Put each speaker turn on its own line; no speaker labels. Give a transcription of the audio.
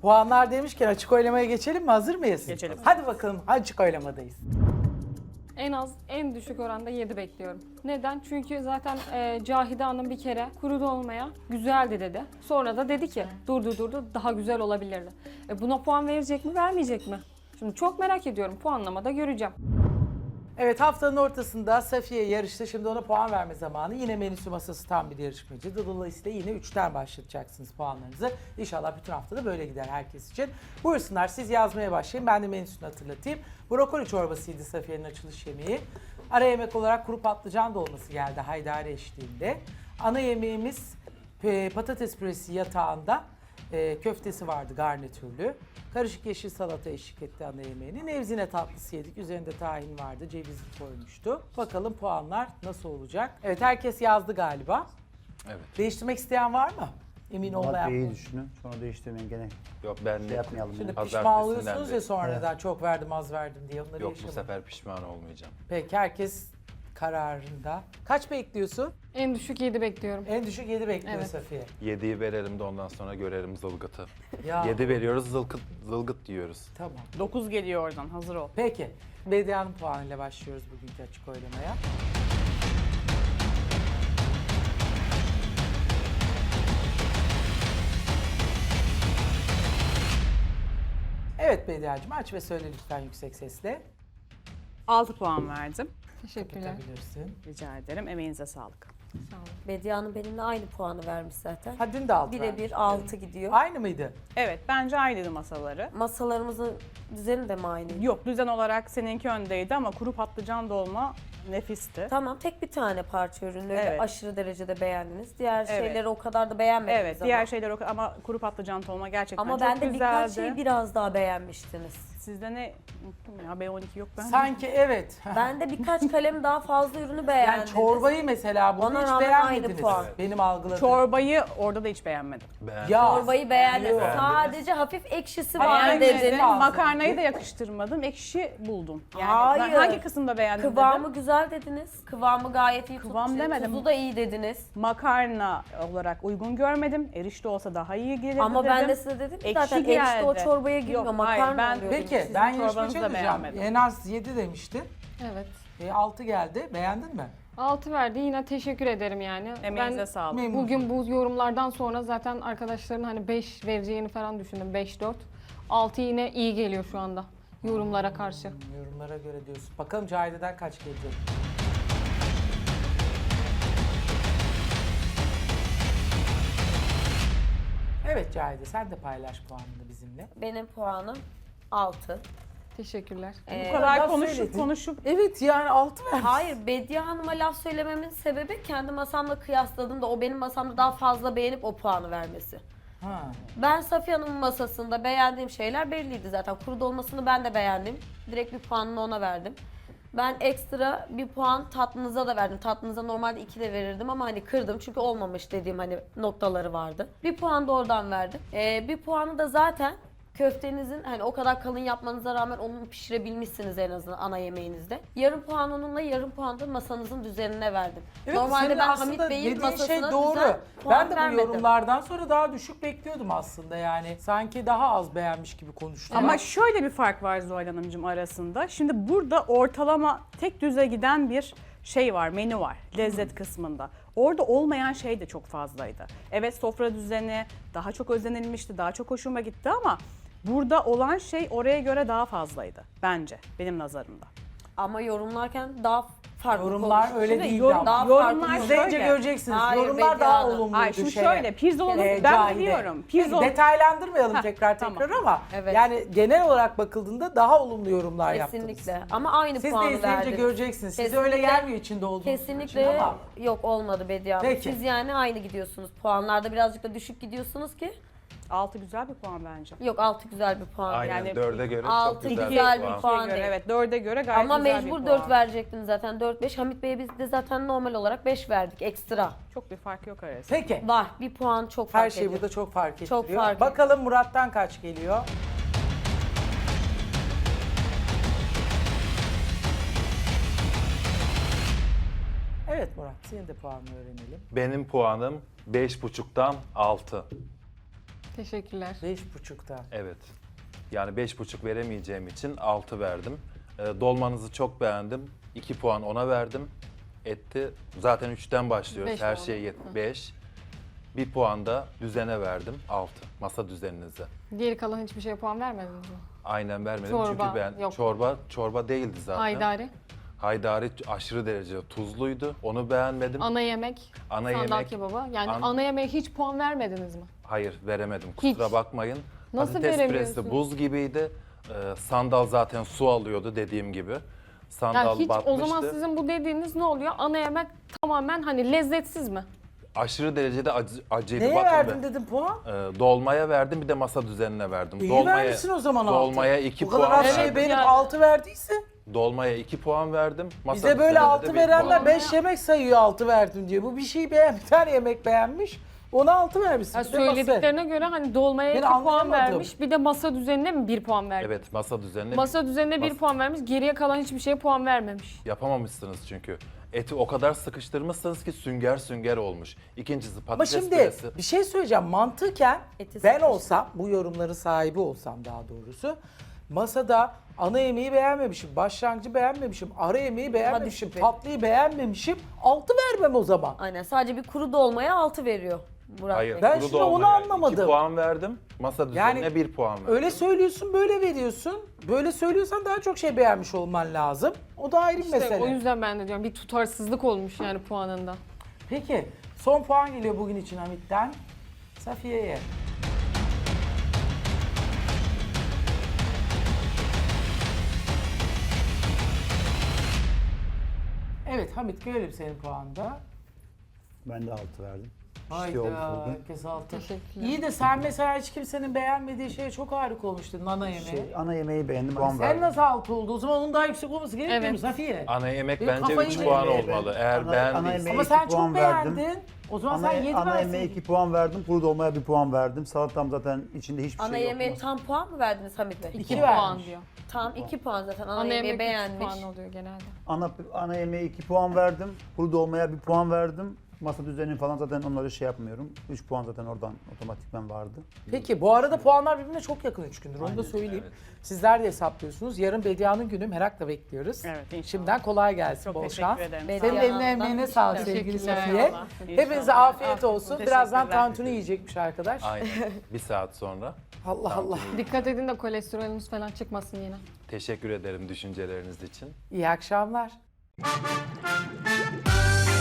Puanlar demişken açık oylamaya geçelim mi? Hazır mıyız?
Geçelim.
Hadi bakalım açık oylamadayız.
En az, en düşük oranda 7 bekliyorum. Neden? Çünkü zaten Cahide Hanım bir kere kuru dolmaya güzeldi dedi. Sonra da dedi ki durdu daha güzel olabilirdi. Buna puan verecek mi vermeyecek mi? Şimdi çok merak ediyorum, puanlamada göreceğim.
Evet, haftanın ortasında Safiye yarıştı. Şimdi ona puan verme zamanı. Yine menüsü masası tam bir yarışmacı. Dolayısıyla yine 3'ten başlatacaksınız puanlarınızı. İnşallah bütün haftada böyle gider herkes için. Buyursunlar, siz yazmaya başlayın. Ben de menüsünü hatırlatayım. Brokoli çorbasıydı Safiye'nin açılış yemeği. Ara yemek olarak kuru patlıcan dolması geldi haydari eşliğinde. Ana yemeğimiz patates püresi yatağında. Köftesi vardı garnitürlü. Karışık yeşil salata eşlik etti ana yemeğini. Nevzine tatlısı yedik. Üzerinde tahin vardı. Cevizli koymuştu. Bakalım puanlar nasıl olacak? Evet, herkes yazdı galiba.
Evet.
Değiştirmek isteyen var mı? Emin olmayan.
Iyi düşünün. Sonra değiştirmeyin gene.
Yok ben
Şey yapmayalım.
Şimdi
yani.
pişman oluyorsunuz ya sonradan çok verdim az verdim diye. Onları
Yok bu
yaşamayın.
sefer pişman olmayacağım.
Peki, herkes kararında. Kaç bekliyorsun?
En düşük 7 bekliyorum.
En düşük 7 bekliyor
Evet.
Safiye.
7'yi verelim de ondan sonra görelim zılgıtı.
Ya
7 veriyoruz zılgıt diyoruz.
tamam.
9 geliyor oradan, hazır ol.
Peki. Bedia'nın puanıyla başlıyoruz bugünkü açık oylamaya. Evet Bedia'cığım, aç ve söyle lütfen yüksek sesle.
6 puan verdim.
Teşekkürler.
Kapatabilirsin.
Rica ederim. Emeğinize sağlık.
Sağ olun.
Bediye Hanım benimle aynı puanı vermiş zaten.
Ha, dün de 6
Birebir 6 gidiyor.
Aynı mıydı?
Evet, bence aynıydı masaları.
Masalarımızın düzeni de mi aynı?
Yok, düzen olarak seninki öndeydi ama kuru patlıcan dolma nefisti.
Tamam, tek bir tane parça ürünü öyle
Evet.
aşırı derecede beğendiniz. Diğer
Evet.
şeyleri o kadar da beğenmediniz
Evet,
ama.
diğer şeyler ama kuru patlıcan dolma gerçekten
Ama
çok
ben de
güzeldi.
birkaç şeyi biraz daha beğenmiştiniz.
Sizde ne? Unuttum ya, B12 yok bende.
Sanki evet.
Ben de birkaç kalem daha fazla ürünü beğendim.
Yani çorbayı mesela bunu
Ona
hiç
rağmen
beğenmediniz.
aynı puan.
Benim algıladığım.
Çorbayı orada da hiç beğenmedim.
Beğendim.
Ya.
Çorbayı beğendim.
Beğendiniz.
Sadece hafif ekşisi var
Beğendiniz.
dediniz.
Fazla.
Makarnayı da yakıştırmadım. Ekşi buldum. Yani
Hayır.
ben hangi kısımda beğendim
Kıvamı
dedim.
güzel dediniz. Kıvamı gayet iyi
Kıvam
tutmuş.
demedim.
Tuzu da iyi dediniz.
Makarna olarak uygun görmedim. Erişte olsa daha iyi gelirdi
Ama
dedim.
ben de size dedim ki
Ekşi
zaten erişte o
geldi.
çorbaya girmiyor.
Yok,
Makarna
hayır, ben-
oluyor.
Peki
Sizin
ben
çorbanızı
yarışmacı
da
olacağım.
beğenmedim.
En az 7 demiştin.
Evet.
6 geldi. Beğendin mi?
6 verdi. Yine teşekkür ederim yani.
Emeğinize
Ben
sağlık.
Memnun.
bugün bu yorumlardan sonra zaten arkadaşların hani 5 vereceğini falan düşündüm. 5-4. 6 yine iyi geliyor şu anda yorumlara karşı.
Yorumlara göre diyorsun. Bakalım Cahide'den kaç gelecek? Evet Cahide, sen de paylaş puanını bizimle.
Benim puanım 6.
Teşekkürler.
Bu kadar
laf
konuşup
söyledin.
konuşup
Evet yani 6 ver.
Hayır, Bediye Hanım'a laf söylememin sebebi kendi masamla kıyasladığımda o benim masamda daha fazla beğenip o puanı vermesi.
Ha.
Ben Safiye Hanım'ın masasında beğendiğim şeyler belliydi zaten. Kuru dolmasını ben de beğendim. Direkt bir puanını ona verdim. Ben ekstra bir puan tatlınıza da verdim. Tatlınıza normalde 2 de verirdim ama hani kırdım çünkü olmamış dediğim hani noktaları vardı. Bir puan da oradan verdim. Bir puanı da zaten köftenizin hani o kadar kalın yapmanıza rağmen onu pişirebilmişsiniz en azından ana yemeğinizde. Yarım puan onunla, yarım puan da masanızın düzenine verdim.
Evet,
Normalde
senin
ben
aslında
Hamit Bey'in
dediğin
masasına
şey doğru.
düzen puan
Ben de bu
vermedim.
yorumlardan sonra daha düşük bekliyordum aslında yani. Sanki daha az beğenmiş gibi konuştum.
ama şöyle bir fark var Zuhal Hanımcığım arasında. Şimdi burada ortalama tek düze giden bir şey var, menü var lezzet kısmında. Orada olmayan şey de çok fazlaydı. Evet, sofra düzeni daha çok özenilmişti, daha çok hoşuma gitti ama burada olan şey oraya göre daha fazlaydı bence benim nazarımda.
Ama yorumlarken daha farklı
Yorumlar
konuşmuş.
öyle
Şimdi
değildi
yorum
ama.
daha
Yorumlar
farklı.
İzleyince
şöyle.
göreceksiniz.
Hayır,
Yorumlar
Bediye
daha
Hanım.
olumluydu.
Ay şimdi şöyle, pirzolanı ben
Cahide.
biliyorum.
Detaylandırmayalım
Heh,
tekrar
tamam.
ama
Evet.
yani genel olarak bakıldığında daha olumlu yorumlar yaptınız.
Kesinlikle. Ama aynı
Siz de
puanı
izleyince
verdiniz.
göreceksiniz. Size
Kesinlikle-
öyle gelmiyor içinde olduğunuz için
Kesinlikle
ama.
yok olmadı Bediye Hanım.
Peki.
Siz yani aynı gidiyorsunuz. Puanlarda birazcık da düşük gidiyorsunuz ki.
6 güzel bir puan bence.
Yok 6 güzel bir puan.
Aynen
Yani
4'e göre çok
altı
güzel,
güzel
bir
bir
puan.
puan.
Göre,
değil.
evet 4'e göre gayet
Ama
güzel
mecbur
bir
4
puan.
verecektin zaten. 4-5. Hamit Bey'e biz de zaten normal olarak 5 verdik ekstra.
Çok bir fark yok arasında.
Peki.
Var. Bir puan çok fark
Her şey
ediyor.
burada çok fark ettiriyor.
Çok fark
Bakalım Murat'tan kaç geliyor? Evet Murat, senin de puanını öğrenelim.
Benim puanım 5,5'tan 6.
Teşekkürler.
5,5'ta.
Evet. Yani 5,5 veremeyeceğim için 6 verdim. Dolmanızı çok beğendim. 2 puan ona verdim. Etti. Zaten 3'ten başlıyoruz.
Beş
Her
oldu.
şey 5. 1 puan da düzene verdim. 6. Masa düzeninize.
Geri kalan hiçbir şeye puan vermediniz mi?
Aynen vermedim
Çorba,
çünkü ben
yok.
çorba değildi zaten.
Haydari,
Haydari aşırı derece tuzluydu. Onu beğenmedim.
ana yemek,
Ana
sandal
yemek
kebabı. Yani
an-
ana yemeğe hiç puan vermediniz mi?
hayır veremedim. Kusura
Hiç.
bakmayın.
Nasıl
Patates
veremiyorsun?
püresi buz gibiydi. Sandal zaten su alıyordu dediğim gibi. Sandal
Yani hiç
batmıştı.
o zaman sizin bu dediğiniz ne oluyor? Ana yemek tamamen hani lezzetsiz mi?
Aşırı derecede acıydı.
Neye
Bakın
verdin
be.
dedim puan?
Dolmaya verdim bir de masa düzenine verdim.
İyi vermişsin o zaman 6.
Dolmaya 2
Bu kadar
puan
az
verdim.
şey benim
Yani.
6 verdiyse.
Dolmaya 2 puan verdim. Masa
Bize böyle
düzenine de
6
bir
verenler
puan.
5 yemek sayıyor 6 verdim diye. Bu bir şey bir tane yemek beğenmiş. Ona 6 vermişsin.
Yani
Bir de masa.
söylediklerine göre hani dolmaya
Ben
2 puan
anlayamadım.
vermiş, bir de masa düzenine mi 1 puan vermiş?
Evet masa düzenine
Masa düzenine 1
Mas-
puan vermiş, geriye kalan hiçbir şeye puan vermemiş.
yapamamışsınız çünkü. Eti o kadar sıkıştırmışsınız ki sünger sünger olmuş. İkincisi
Ama
patates
şimdi
püresi.
bir şey söyleyeceğim. Mantıken
Eti
ben
sıkıştı.
olsam, bu yorumların sahibi olsam daha doğrusu, masada ana yemeği beğenmemişim, başlangıcı beğenmemişim, ara yemeği beğenmemişim,
şüphe.
tatlıyı beğenmemişim, 6 vermem o zaman.
Aynen sadece bir kuru dolmaya 6 veriyor Murat
Hayır,
Bey.
Ben
kuru
şimdi onu
dolmaya
anlamadım.
2 puan verdim. Masa düzenine
Yani
1 puan verdim.
Öyle söylüyorsun, böyle veriyorsun. Böyle söylüyorsan daha çok şey beğenmiş olman lazım. O da ayrı bir
İşte
mesele.
o yüzden ben de diyorum bir tutarsızlık olmuş yani puanında.
Peki, son puan geliyor bugün için Hamit'ten. Safiye'ye. Evet Hamit, görelim senin puanında.
Ben de 6 verdim. İşte
Hayda,
olmuş bugün.
herkes altı.
Teşekkürler.
İyi de sen mesela hiç kimsenin beğenmediği şeye çok harika olmuştun, nana yemeği.
Ana yemeği beğendim, puan
Sen
verdim.
nasıl 6 oldu? O zaman onun daha yüksek olması gerekmiyor mu
Evet.
Safiye?
Ana yemek
Benim
bence
kafayı
3
yedim.
puan
Evet.
olmalı. Eğer
Ana
beğendiysen.
yemeği-
Ama
2
sen çok
puan verdim.
beğendin. O zaman
Ana,
sen 7
ana
versin.
yemeğe 2 puan verdim, kuru dolmaya 1 puan verdim. Salatam zaten içinde hiçbir
Ana
şey yok.
yemeğe tam puan mı verdiniz Hamit Bey?
2
2
vermiş.
puan diyor.
Tam 2 puan zaten ana,
Ana
yemeği
yemek 3
beğenmiş.
puan oluyor genelde.
Ana yemeğe 2 puan verdim, kuru dolmaya 1 puan verdim. Masa düzeni falan zaten onları şey yapmıyorum. 3 puan zaten oradan otomatikman vardı.
Peki bu arada puanlar birbirine çok yakın 3 gündür. Onu da
Aynen,
söyleyeyim. Sizler de hesaplıyorsunuz. Yarın Bedia'nın günü, merakla bekliyoruz.
Evet, inşallah.
Şimdiden kolay gelsin,
Çok
bol
teşekkür
şans.
ederim.
Bediye
Senin eline
Hanım'dan
emeğine sağlık sevgili
Teşekkürler.
Safiye.
İnşallah.
Hepinize
İnşallah.
afiyet olsun.
Teşekkürler.
Birazdan tantuni yiyecekmiş arkadaş.
Aynen. 1 saat sonra.
Allah Allah.
Dikkat edin de kolesterolünüz falan çıkmasın yine.
Teşekkür ederim düşünceleriniz için.
İyi akşamlar.